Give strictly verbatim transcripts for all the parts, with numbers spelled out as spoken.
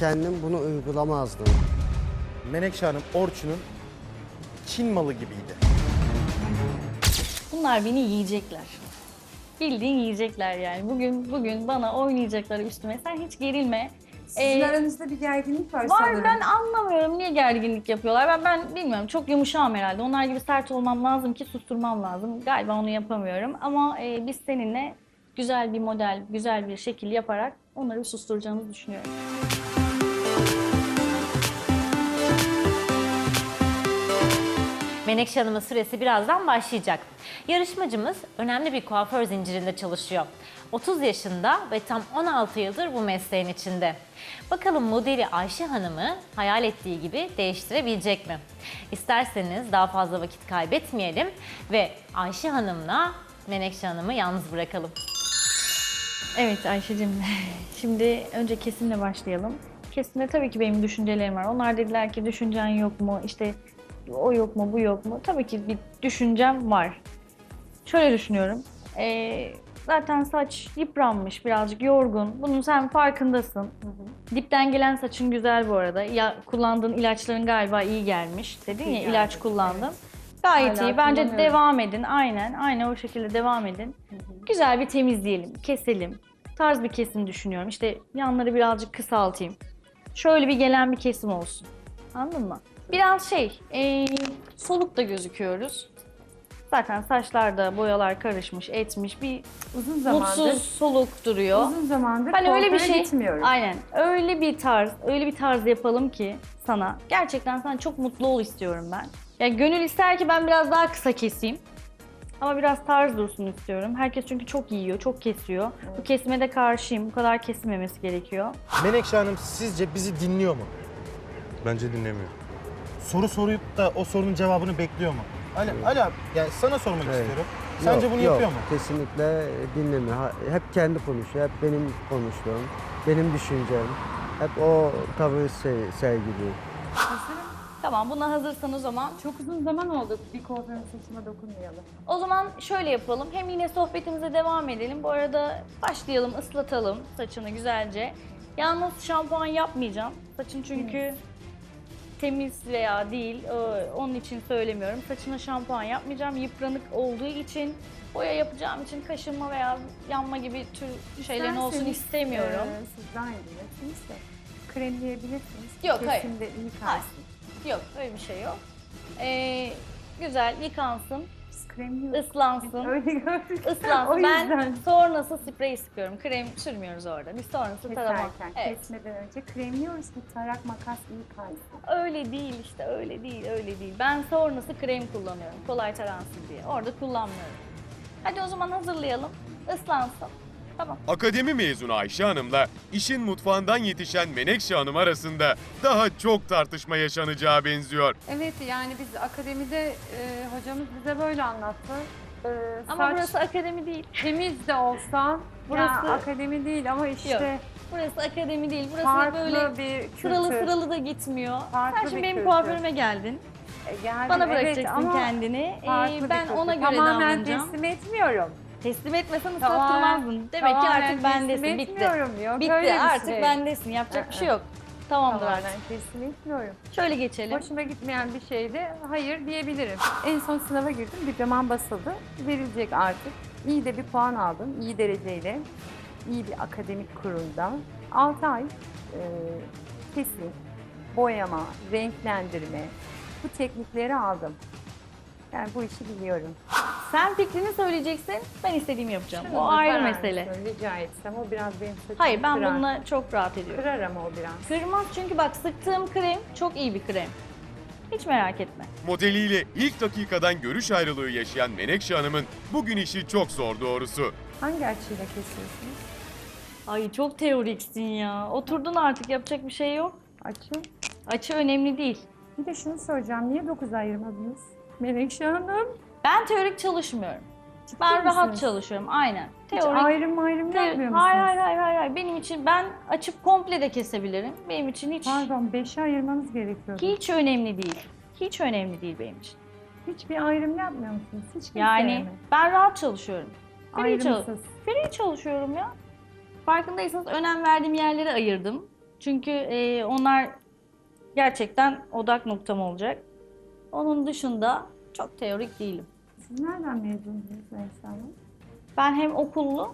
kendim bunu uygulamazdım. Menekşe Hanım Orçun'un Çin malı gibiydi. Bunlar beni yiyecekler. Bildiğin yiyecekler yani. Bugün bugün bana oynayacaklar üstüme. Sen hiç gerilme. Sizin Ee, aranızda bir gerginlik var, Var, sanırım. ben anlamıyorum niye gerginlik yapıyorlar. Ben ben bilmiyorum, çok yumuşağım herhalde. Onlar gibi sert olmam lazım ki susturmam lazım. Galiba onu yapamıyorum ama e, biz seninle güzel bir model, güzel bir şekil yaparak onları bir susturacağımızı düşünüyorum. Menekşe Hanım'ın süresi birazdan başlayacak. Yarışmacımız önemli bir kuaför zincirinde çalışıyor. otuz yaşında ve tam on altı yıldır bu mesleğin içinde. Bakalım modeli Ayşe Hanım'ı hayal ettiği gibi değiştirebilecek mi? İsterseniz daha fazla vakit kaybetmeyelim ve Ayşe Hanım'la Menekşe Hanım'ı yalnız bırakalım. Evet Ayşe'cim, şimdi önce kesimle başlayalım. Kesimde tabii ki benim düşüncelerim var. Onlar dediler ki düşüncen yok mu, işte o yok mu, bu yok mu? Tabii ki bir düşüncem var. Şöyle düşünüyorum, ee, zaten saç yıpranmış, birazcık yorgun. Bunun sen farkındasın. Hı hı. Dipten gelen saçın güzel bu arada. Ya, kullandığın ilaçların galiba iyi gelmiş. Dedin ya, İyi ilaç geldi, kullandım. evet. Gayet Hala iyi. Bence kullanıyorum. devam edin. Aynen, aynen o şekilde devam edin. Hı hı. Güzel bir temizleyelim, keselim. Tarz bir kesim düşünüyorum. İşte yanları birazcık kısaltayım. Şöyle bir gelen bir kesim olsun. Anladın mı? Biraz şey, ee, soluk da gözüküyoruz. Zaten saçlarda boyalar karışmış, etmiş, bir Uzun zamandır, mutsuz, soluk duruyor. uzun zamandır Hani öyle bir kuaföre şey, gitmiyorum. aynen öyle bir tarz, öyle bir tarz yapalım ki sana. Gerçekten sen çok mutlu ol istiyorum ben. Ya gönül ister ki ben biraz daha kısa keseyim. Ama biraz tarz dursun istiyorum. Herkes çünkü çok yiyor, çok kesiyor. Evet. Bu kesime de karşıyım. Bu kadar kesilmemesi gerekiyor. Menekşe Hanım sizce bizi dinliyor mu? Bence dinlemiyor. Soru sorup da o sorunun cevabını bekliyor mu? Ali, Ali abi, yani sana sormak Evet. istiyorum. Sence Yok, bunu yok, yapıyor mu? Kesinlikle dinlemiyor. Ha- Hep kendi konuşuyor, hep benim konuştuğum, benim düşüncem. Hep o tavır se- sergiliyor. Tamam, buna hazırsan o zaman. Çok uzun zaman oldu bir kuaförün saçıma dokunmayalım. O zaman şöyle yapalım. Hem yine sohbetimize devam edelim. Bu arada başlayalım, ıslatalım saçını güzelce. Yalnız şampuan yapmayacağım. Saçın çünkü temiz veya değil, e, onun için söylemiyorum. Saçına şampuan yapmayacağım. Yıpranık olduğu için, boya yapacağım için kaşınma veya yanma gibi tür şeylerin olsun İsterseniz, istemiyorum. E, siz daha iyi bilirsiniz de kremleyebilirsiniz. Yok, hayır. Kesimde iyi Hayır. kalsın. Yok, öyle bir şey yok. Ee, güzel yıkansın, Biz kremliyoruz. ıslansın. Öyle gördük. Islansın. O Ben yüzden. sonrası sprey sıkıyorum. Krem sürmüyoruz orada. Biz sonrası tarama. Keserken, Evet. kesmeden önce kremliyoruz ki tarak makas iyi kalsın. Öyle değil işte, öyle değil, öyle değil. Ben sonrası krem kullanıyorum. Kolay taransın diye. Orada kullanmıyorum. Hadi o zaman hazırlayalım. Islansın. Tamam. Akademi mezunu Ayşe Hanım'la işin mutfağından yetişen Menekşe Hanım arasında daha çok tartışma yaşanacağı benziyor. Evet, yani biz akademide e, hocamız bize böyle anlattı. E, Ama saç burası akademi değil. temiz de olsa, Burası- burası akademi değil ama işte Burası akademi değil. Burası farklı böyle bir kültür. sıralı sıralı da gitmiyor. Farklı Sen şimdi bir benim kültür. kuaförüme geldin. E, geldim, Bana evet, bırakacaksın ama kendini. Ee, farklı bir ben kültür. ona göre Tamamen davranacağım. teslim etmiyorum. Teslim etmesen Tamamen- ıslattırmazdın. Demek ki tamamen artık bendesin. teslim Bitti. etmiyorum. Yok, Bitti. öyle bir Artık şey. bendesin. Yapacak bir Aa. şey yok. Tamamdır Tamamen artık. teslim etmiyorum. Şöyle geçelim. Hoşuma gitmeyen bir şeyde hayır diyebilirim. En son sınava girdim, diplomam basıldı. Verilecek artık. İyi de bir puan aldım, iyi dereceyle. İyi bir akademik kurumda. altı ay e, kesim, boyama, renklendirme, bu teknikleri aldım. Yani bu işi biliyorum. Sen fikrini söyleyeceksin. Ben istediğimi yapacağım. Şunu O da ayrı kırar mesele. mısın Rica etsem, o biraz benim saçımı Hayır, ben kırar. bununla çok rahat ediyorum. Kırar ama o biraz. Kırmaz çünkü bak sıktığım krem çok iyi bir krem. Hiç merak etme. Modeliyle ilk dakikadan görüş ayrılığı yaşayan Menekşe Hanım'ın bugün işi çok zor doğrusu. Hangi açıyla kesiyorsunuz? Ay çok teoriksin ya. Oturdun artık, yapacak bir şey yok. Açı. Açı önemli değil. Bir de şunu soracağım, niye dokuz ayırmadınız? Menekşe Hanım. Ben teorik çalışmıyorum. Ciddi Ben rahat misiniz? çalışıyorum. Aynen. Hiç Teorik. ayrım ayrım Te- yapmıyor musunuz? hayır, hayır hayır hayır hayır. Benim için ben açıp komple de kesebilirim. Benim için hiç Pardon, beşe ayırmanız gerekiyordu. hiç önemli değil. Hiç önemli değil benim için. Hiçbir ayrım yapmıyor musunuz? Hiç kimseye Yani mi? ben rahat çalışıyorum. Free, çal- Ayrımsız. free çalışıyorum ya. Farkındaysanız önem verdiğim yerleri ayırdım. Çünkü e, onlar gerçekten odak noktam olacak. Onun dışında çok teorik değilim. Siz nereden mezunsunuz Menekşe Hanım? Ben hem okullu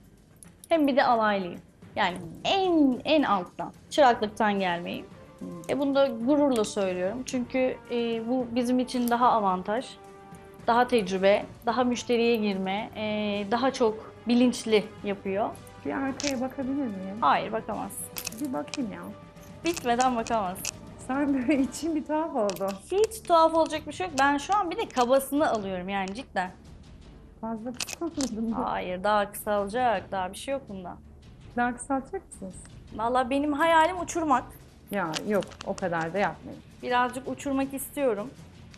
hem bir de alaylıyım. Yani en en alttan, çıraklıktan gelmeyim. E bunu da gururla söylüyorum. Çünkü e, bu bizim için daha avantaj, daha tecrübe, daha müşteriye girme, e, daha çok bilinçli yapıyor. Bir arkaya bakabilir miyim? Hayır, bakamaz. Bir bakayım ya. Bitmeden bakamaz. Sen böyle için bir tuhaf oldu. Hiç tuhaf olacak bir şey yok. Ben şu an bir de kabasını alıyorum yani cidden. Fazla kısaltmadın mı? Hayır, daha kısalacak. Daha bir şey yok bunda. Daha kısaltacak mısınız? Vallahi benim hayalim uçurmak. Ya yok, o kadar da yapmayın. Birazcık uçurmak istiyorum.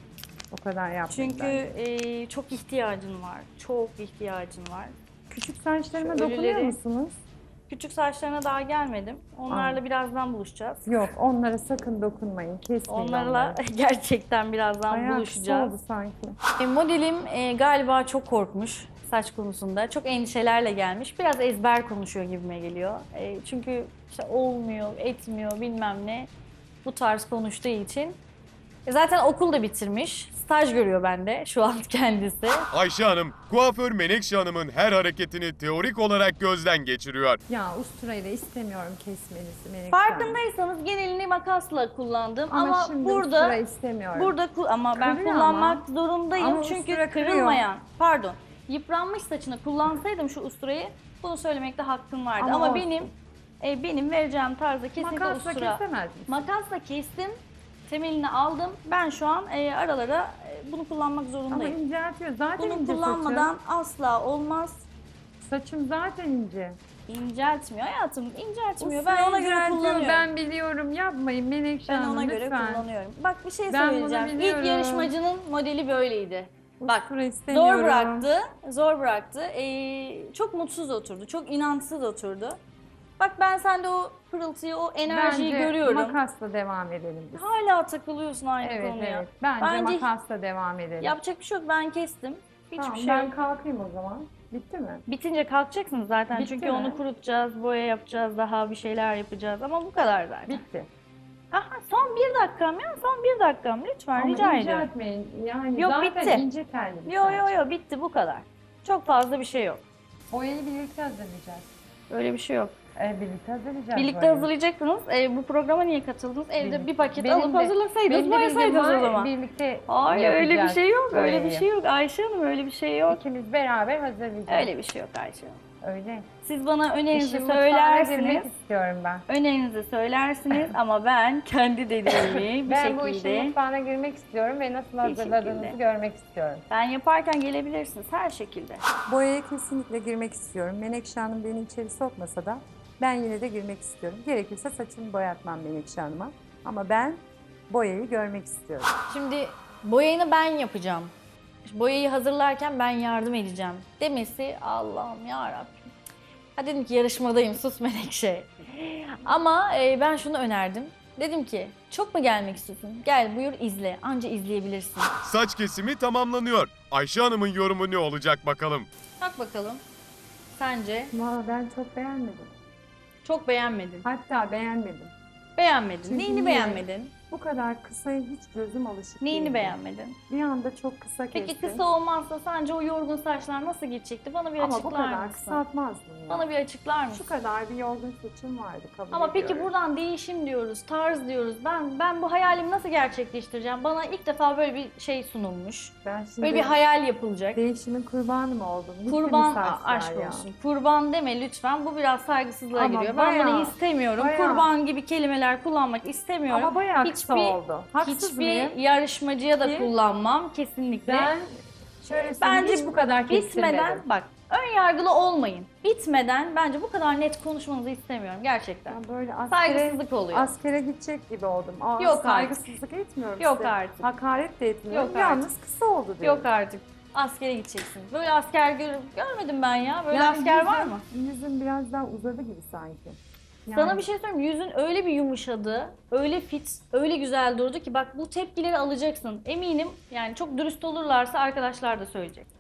O kadar yapmayın. Çünkü bence. e, çok ihtiyacın var. Çok ihtiyacın var. Küçük saçlarıma Şu dokunuyor ölüleri- musunuz? Küçük saçlarına daha gelmedim. Onlarla birazdan buluşacağız. Yok, onlara sakın dokunmayın. Kesmeyin Onlarla onları. gerçekten birazdan Bayağı kısa buluşacağız. oldu sanki. E, modelim e, galiba çok korkmuş saç konusunda. Çok endişelerle gelmiş. Biraz ezber konuşuyor gibime geliyor. E, çünkü işte olmuyor, etmiyor bilmem ne. Bu tarz konuştuğu için. E, zaten okul da bitirmiş. Staj görüyor bende şu an kendisi. Ayşe Hanım, kuaför Menekşe Hanım'ın her hareketini teorik olarak gözden geçiriyor. Ya usturayı da istemiyorum kesmenizi Menekşe Hanım. Farkındaysanız genelini makasla kullandım ama, Ama, şimdi burada ustura istemiyorum. burada ku- ama ben Kırıyor kullanmak ama. zorundayım Ama çünkü ustura kırıyor. kırılmayan, pardon, yıpranmış saçını kullansaydım şu usturayı bunu söylemekte hakkım vardı Ama ama, olsun. benim e, benim vereceğim tarzda kesinlikle Makasla ustura. kesemez misin? Makasla kestim. Temelini aldım. Ben şu an e, aralara e, bunu kullanmak Ama zorundayım. inceltiyor. Zaten Bunu ince kullanmadan asla olmaz. saçım. Saçım zaten ince. İnceltmiyor hayatım, inceltmiyor. Ustura Ben ona göre inceltiyor, kullanıyorum. Ben biliyorum, yapmayın Menekşe Ben Hanım ona göre lütfen. kullanıyorum. Bak bir şey Ben bunu söyleyeceğim. biliyorum. İlk yarışmacının modeli böyleydi. Bak Ustura istemiyorum. zor bıraktı, zor bıraktı. Ee, çok mutsuz oturdu, çok inançsız oturdu. Bak ben sende o pırıltıyı, o enerjiyi Bence görüyorum. makasla devam edelim biz. Hala takılıyorsun aynı Evet konuya. evet. Bence, Bence- makasla devam edelim. Yapacak bir şey yok, ben kestim. Hiçbir Tamam, şey ben yok. kalkayım o zaman. Bitti mi? Bitince kalkacaksınız zaten Bitti çünkü mi? onu kurutacağız, boya yapacağız, daha bir şeyler yapacağız ama bu kadar zaten. Bitti. Aha, son bir dakikam ya, son bir dakikam lütfen Ama rica ediyorum. inceltmeyin. Yani Yok, zaten bitti. ince telli bir Yo saç. yo yo bitti bu kadar. Çok fazla bir şey yok. Boyayı birlikte hazırlayacağız. Öyle bir şey yok. E, birlikte hazırlayacağız Birlikte boyayı. hazırlayacaksınız. E, bu programa niye katıldınız? Evde Benim- bir paket benim alıp de- hazırlasaydınız, Benim de boyasaydınız bildiğim o var, zaman. Birlikte Hayır öyle bir yapacağız şey yok. Öyle bir boyayı. şey yok Ayşe Hanım, öyle bir şey yok. İkimiz beraber hazırlayacağız. Öyle bir şey yok Ayşe Hanım. Öyle. Siz bana önerinizi İşin mutfağına girmek söylersiniz. istiyorum ben. Önerinizi söylersiniz ama ben kendi dediğimi bir Ben bu işin şekilde mutfağına girmek istiyorum ve nasıl hazırladığınızı şekilde. görmek istiyorum. ben yaparken gelebilirsiniz her şekilde. Boyaya kesinlikle girmek istiyorum. Menekşe Hanım beni içeri sokmasa da ben yine de girmek istiyorum. Gerekirse saçımı boyatmam Menekşe Hanım'a. Ama ben boyayı görmek istiyorum. Şimdi boyayını ben yapacağım. Boyayı hazırlarken ben yardım edeceğim demesi Allah'ım yarabbim. Ha dedim ki yarışmadayım sus Menekşe. Ama e, ben şunu önerdim. Dedim ki çok mu gelmek istiyorsun? Gel buyur izle. Anca izleyebilirsin. Saç kesimi tamamlanıyor. Ayşe Hanım'ın yorumu ne olacak bakalım. Bak bakalım. Sence? Valla ben çok beğenmedim. Çok beğenmedin. Hatta beğenmedim. Beğenmedin. Çünkü Neyini niye? beğenmedin? Bu kadar kısaya hiç gözüm alışık Neyini değildi. beğenmedin? Bir anda çok kısa kestim. Peki kısa olmazsa sence o yorgun saçlar nasıl gidecekti? Bana bir Ama bu açıklar kadar mısın? kısaltmazdım ya. Bana bir açıklar mısın? Şu kadar bir yorgun saçım vardı kabul Ama peki ediyorum. buradan değişim diyoruz, tarz diyoruz. Ben ben bu hayalimi nasıl gerçekleştireceğim? Bana ilk defa böyle bir şey sunulmuş. Ben şimdi Böyle bir hayal yapılacak. değişimin kurbanı mı oldum? Gitti mi Kurban saçlar a- aşk ya? olsun. Kurban deme lütfen. Bu biraz saygısızlığa Ama giriyor. Ben bayağı, bunu istemiyorum. bayağı. Kurban gibi kelimeler kullanmak istemiyorum. Ama bayağı kısa Hiçbir- oldu. Haksız Hiçbir mıyım? yarışmacıya da Ki- kullanmam kesinlikle. Ben şöyle Bence bence hiç bu kadar kestirmedim. Bitmeden bak ön yargılı olmayın. Bitmeden bence bu kadar net konuşmanızı istemiyorum gerçekten. Ben böyle askere, Saygısızlık oluyor. askere gidecek gibi oldum. Aa, Yok saygısızlık etmiyorum Yok size. artık. Hakaret de etmiyorum. Yok Yalnız kısa oldu diyorum. Yok artık. Askere gideceksin. Böyle asker gör görmedim ben ya. Böyle Yani asker var yüzüm- mı? Yüzüm biraz daha uzadı gibi sanki. Sana Yani- bir şey söyleyeyim mi? Yüzün öyle bir yumuşadı, öyle fit, öyle güzel durdu ki bak bu tepkileri alacaksın. Eminim yani çok dürüst olurlarsa arkadaşlar da söyleyecek.